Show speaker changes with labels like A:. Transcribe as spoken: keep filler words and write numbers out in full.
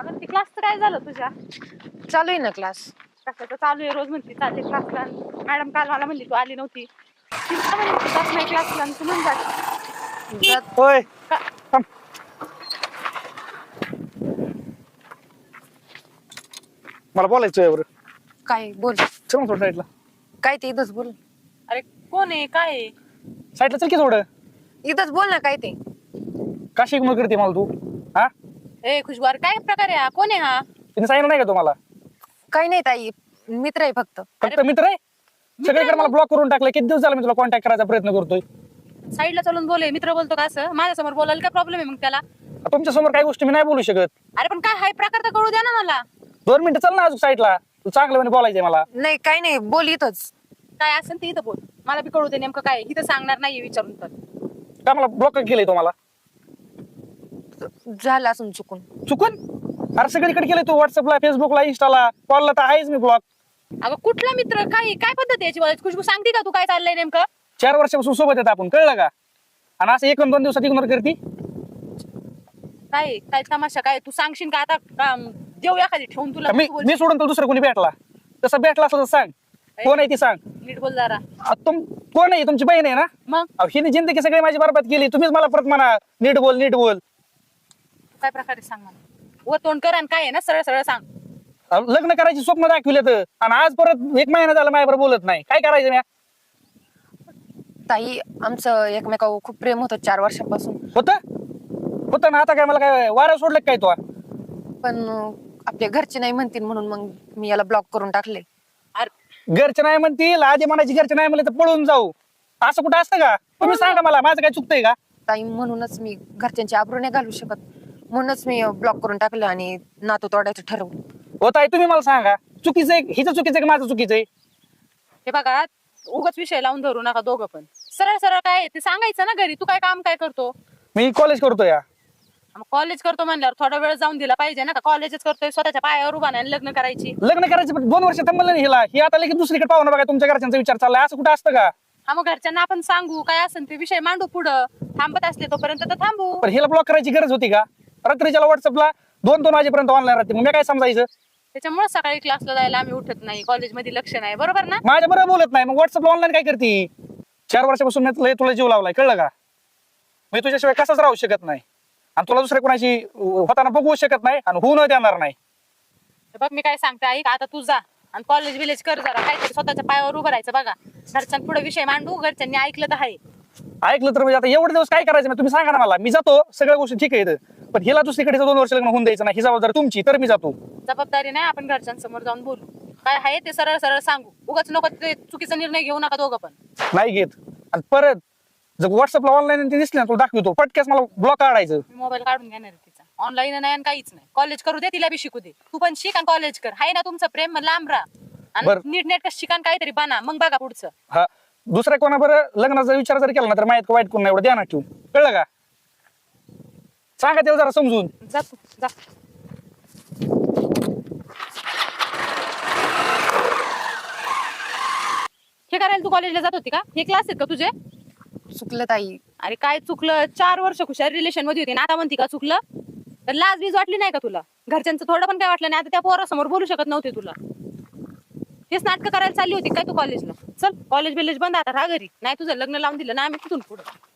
A: अगं ती क्लासचं काय झालं तुझ्या?
B: चालू आहे ना क्लास.
A: कशाचं चालू आहे? रोज म्हणते चालले क्लासला. मॅडम काल मला म्हणली तू आली नव्हती. ती मला म्हणली तू जात नाही क्लासला आणि तू म्हणून जात.
B: जात
C: होय
A: का-
C: थांब. मला बोलायचं यावर.
B: काय बोल.
C: चल ना थोडं साईडला.
B: काय ते इथंच बोल.
A: अरे कोण आहे काय आहे?
C: साईडला चल की थोडं.
B: इथंच बोल ना काय ते.
C: का शिकमत करते मला तू? हा
A: ए खुशबार काय प्रकार आहे हा? कोण आहे हा?
C: तिने सांगितलं नाही का तुम्हाला?
B: काही नाही ताई, मित्र आहे फक्त.
C: फक्त मित्र आहे. सगळीकडे मला ब्लॉक करून टाकलं. किती दिवस झाला मी तुला कॉन्टॅक्ट करायचा प्रयत्न करतोय.
A: साईडला चलून बोले मित्र बोलतो का असं? माझ्यासमोर बोलायला काय प्रॉब्लेम आहे मग त्याला?
C: तुमच्या समोर काही गोष्टी मी नाही बोलू शकत.
A: अरे पण काय हाय प्रकार तर कळू द्या ना मला.
C: दोन मिनिटं चल ना अजून साईडला. तू चांगलं म्हणे बोलायचंय मला.
B: नाही काही नाही, बोल इथंच.
A: काय असेल ते इथं बोल. मला बी कळू दे नेमकं काय आहे. इथं सांगणार नाहीये विचारून तर.
C: का मला ब्लॉक केलंय तुम्हाला?
B: झालं असून चुकून.
C: चुकून? अरे सगळीकडे केलंय तू. व्हॉट्सअपला, फेसबुकला, इंस्टाला, कॉलला तर आहेच मी ब्लॉक.
A: अगं कुठला मित्र? काय काय पद्धत आहे याची बोलायची? खुशबू सांगते का तू काय चाललंय नेमकं?
C: चार वर्षापासून सोबत येत आपण, कळलं का? आणि असं एक दोन दिवसात इग्नोर करती.
A: काय आहे? काय तमाशा काय? तू सांगशील का आता का देऊ एखादी ठेवून तुला?
C: मी
A: तू बोल.
C: मी सोडून तर दुसरं कोणी भेटला तसं भेटला असं सांग. कोण आहे ती सांग.
A: नीट बोल जरा.
C: अ, तुम कोण आहे? तुमची बहीण आहे ना?
A: मग
C: अहो, हिने जिंदगी सगळी माझी बरबाद केली. तुम्हीच मला परत म्हणा नीट बोल नीट बोल.
A: काय प्रकारे सांग मला. वर तोंड कर आणि काय आहे ना सरळ सरळ सांग.
C: अहो, लग्न करायची स्वप्न दाखविले तर आणि आज परत एक महिना झाला माझ्याबरोबर बोलत नाही. काय करायचं मी?
B: ताई आमचं एकमेकावर खूप प्रेम होतं चार वर्षापासून.
C: होतं होतं ना. आता काय मला काय वाऱ्यावर सोडलं का काय तो?
B: पण अं, आपल्या घरचे नाही म्हणतील म्हणून मग मी याला ब्लॉक करून टाकले.
A: अरे
C: घरचे नाही म्हणतील, आधी म्हणायची घरचे नाही म्हणले तर पळून जाऊ. असं कुठं असतं का? तुम्ही सांगा मला, माझं काय चुकतंय का?
B: ताई म्हणूनच मी घरच्यांची आबरू नाही घालू शकत, म्हणूनच मी ब्लॉक करून टाकलं आणि नातं तोडायचं ठरवलं.
C: होत आहे. तुम्ही मला सांगा चुकीचं आहे हिचं चुकीचं आहे का माझं चुकीचं आहे?
A: हे बघा उगाच विषय लावून धरू नका दोघं पण. सरळ सरळ काय आहे ते सांगायचं ना घरी. तू काय काम काय करतो?
C: मी कॉलेज करतो या.
A: मग कॉलेज करतो म्हणल्यावर थोडा वेळ जाऊन दिला पाहिजे ना. का कॉलेजच करतोय स्वतःच्या पायावर उभा नाही लग्न करायची?
C: लग्न करायचं पण दोन वर्ष थांबलं नाही हिला. ही आता लगेच दुसरीकडे पाहू ना. बघा तुमच्या घरच्यांचा विचार चाललाय. असं कुठं असतं का?
A: हा मग घरच्यांना आपण सांगू काय असेल ते विषय मांडू पुढं. थांबत असले तोपर्यंत तर थांबू.
C: पण हिला ब्लॉक करायची गरज होती का? रात्रीच्या व्हॉट्सअपला दोन दोन वाजेपर्यंत ऑनलाईन राहते. मग मी काय समजायचं?
A: त्याच्यामुळे सकाळी क्लासला जायला आम्ही उठत नाही. कॉलेजमध्ये लक्ष नाही. बरोबर ना?
C: माझ्या बरोबर बोलत नाही. मग व्हॉट्सअपला ऑनलाईन काय करते? चार वर्षापासून मी तुला तुला जीव लावलाय, कळलं का? मी तुझ्याशिवाय कसाच राहू शकत नाही आणि तुला दुसऱ्या कोणाशी होताना बघू शकत नाही आणि होऊ न देणार नाही.
A: हे बघ मी काय सांगते ऐक. आता तू जा आणि कॉलेज विलेज कर जरा. काहीतरी स्वतःच्या पायावर उभं राहायचं बघा. घरच्यांनी पुढे विषय मांडू. घरच्यांनी ऐकलं तर आहे.
C: ऐकलं तर म्हणजे आता एवढे दिवस काय करायचं? तुम्ही सांगा ना मला. मी जातो, सगळ्या गोष्टी ठीक आहे इथं. पण हिला दुसरीकडे दोन वर्ष लग्न होऊन द्यायचं नाही. ही जबाबदारी तुमची. तर मी जातो.
A: जबाबदारी नाही. आपण घरच्यांसमोर जाऊन बोलू. काय आहे ते सरळ सरळ सांगू. उगाच नको ते चुकीचा निर्णय घेऊ नका दोघं पण.
C: नाही घेत. आणि परत जर व्हॉट्सअपला ऑनलाईन ते दिसले ना तुला दाखवतो पटक्यास मला ब्लॉक काढायचं.
A: मी मोबाईल काढून घेणार आहे तिचा. ऑनलाईन नाही आणि काहीच नाही. कॉलेज करू दे तिला बी शिकू दे. तू पण शिक आणि कॉलेज कर. हाय ना तुमचं प्रेम मग लांब राहा आणि
C: बरं.
A: नीट नेटकं शिकान काहीतरी बना. मग बघा पुढचं.
C: हा दुसऱ्या कोणाबरोबर लग्नाचा विचार जर केला ना तर माहित वाईट कोण नाही एवढं ध्यानात ठेवू, कळलं का? सांगा त्याला जरा समजून.
A: जा तू जा. हे करायला तू कॉलेजला जात होती का? हे क्लास आहेत का तुझे?
B: चुकलं ताई.
A: अरे काय चुकलं? चार वर्ष खुशाल रिलेशन मध्ये होती ना आता म्हणती का चुकलं? तर लाज बीज वाटली नाही का तुला? घरच्यांचं थोडं पण काय वाटलं नाही? आता त्या पोरासमोर बोलू शकत नव्हते तुला. तेच नाटकं करायला चालली होती काय तू कॉलेजला? चल कॉलेज बिलेज बंद आता राहा घरी. नाही तुझं लग्न लावून दिलं ना आम्ही तिथून पुढं.